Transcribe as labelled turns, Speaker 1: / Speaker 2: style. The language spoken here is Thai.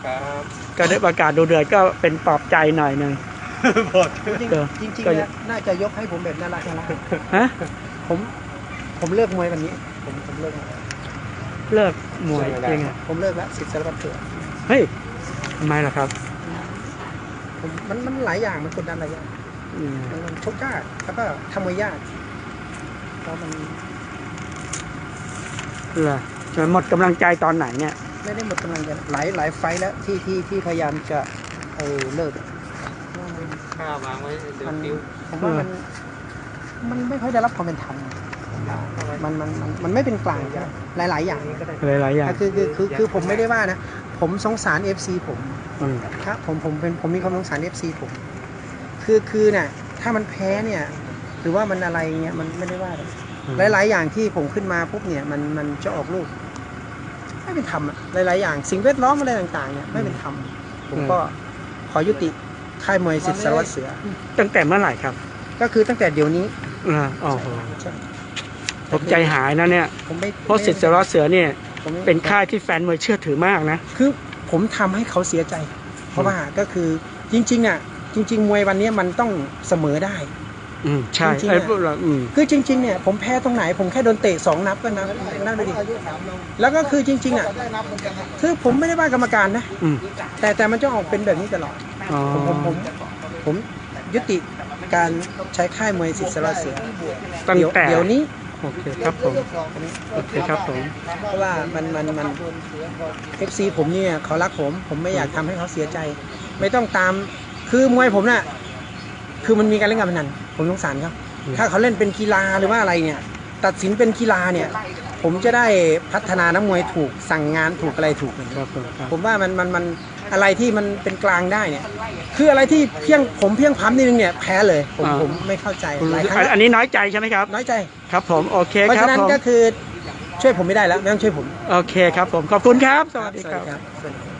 Speaker 1: ครับ
Speaker 2: ก็ได้ประกาศดูเดือดก็เป็นปลอบใจหน่อยหนึ่ง
Speaker 3: จริงๆเนี่ยน่าจะยกให้ผมแบบน่ารัก
Speaker 2: ฮะ
Speaker 3: ผมเลิกมวยวันนี้ผมเลิก
Speaker 2: เลิกมวยยังไง
Speaker 3: ผมเลิกแล้วสิทธิ์สารพัดเถื่อน
Speaker 2: เฮ้ยทำไมล่ะครับ
Speaker 3: มันหลายอย่างมันกดดันหลายอย่างมันชกยากแล้วก็ทำมวยยากแล้วมัน
Speaker 2: เหรอหมดกำลังใจตอนไหนเนี่ย
Speaker 3: ไม่ได้หมดกำลังใจหลายไฟล์แล้วที่พยายามจะเลิก
Speaker 1: ข้าววางไว้เดี๋ยวปิ้ว
Speaker 3: ผมว่ามันไม่ค่อยได้รับความเป็นธรรมมันไม่เป็นกลางหลายอย่าง
Speaker 2: หลายอย่าง
Speaker 3: คือผมไม่ได้ว่านะผมสงสาร FC ผมครับผมมีความสงสาร FC ผมคือน่ะถ้ามันแพ้เนี่ยหรือว่ามันอะไรเงี้ยมันไม่ได้ว่าหลายอย่างที่ผมขึ้นมาปุ๊บเนี่ยมันจะออกลูกไม่เป็นธรรมหลายอย่างสิ่งแวดล้อมอะไรต่างๆเนี่ยไม่เป็นธรรมผมก็ขอยุติค่ายมวยสิทธิ์สารวัตรเสือ
Speaker 2: ตั้งแต่เมื่อไหร่ครับ
Speaker 3: ก็คือตั้งแต่เดี๋ยวนี้
Speaker 2: อ๋อผมใจหายนะเนี่ยเพราะสิทธิ์สารวัตรเสือเนี่ยเป็นค่ายที่แฟนมวยเชื่อถือมากนะ
Speaker 3: คือผมทำให้เขาเสียใจเพราะว่าก็คือจริงๆอ่ะจริงๆมวยวันนี้มันต้องเสมอได้
Speaker 2: ใช่
Speaker 3: คือจริงๆเนี่ยผมแพ้ตรงไหนผมแค่โดนเตะ2 นับก็นั่นไปดิแล้วก็คือจริงๆอ่ะคือผมไม่ได้ว่ากรรมการนะแต่มันจะออกเป็นแบบนี้ตลอดผมยุติการใช้ค่ายมวยสิทธิ์สารวัตรเสือ
Speaker 2: ตั้งแต่
Speaker 3: เดี๋ยวนี้
Speaker 2: โอเคครับผมโอเคครับผม
Speaker 3: เพราะว่ามัน FC ผมเนี่ยเขารักผมไม่อยากทำให้เขาเสียใจไม่ต้องตามคือมวยผมน่ะคือมันมีการเล่นการพนันผมสงสารครับถ้าเขาเล่นเป็นกีฬาหรือว่าอะไรเนี่ยตัดสินเป็นกีฬาเนี่ยผมจะได้พัฒนานักมวยถูกสั่งงานถูกอะไรถูกผมว่ามันอะไรที่มันเป็นกลางได้เนี่ยคืออะไรที่เพียงพ้ำนิดนึงเนี่ยแพ้เลยผมไม่เข้าใจ
Speaker 2: อันนี้น้อยใจใช่ไหมครับ
Speaker 3: น้อยใจ
Speaker 2: ครับผมโอเคครับ
Speaker 3: เพราะฉะนั้นก็คือช่วยผมไม่ได้แล้วไม่ต้องช่วยผม
Speaker 2: โอเคครับผมขอบคุณครับสวัสดีครับ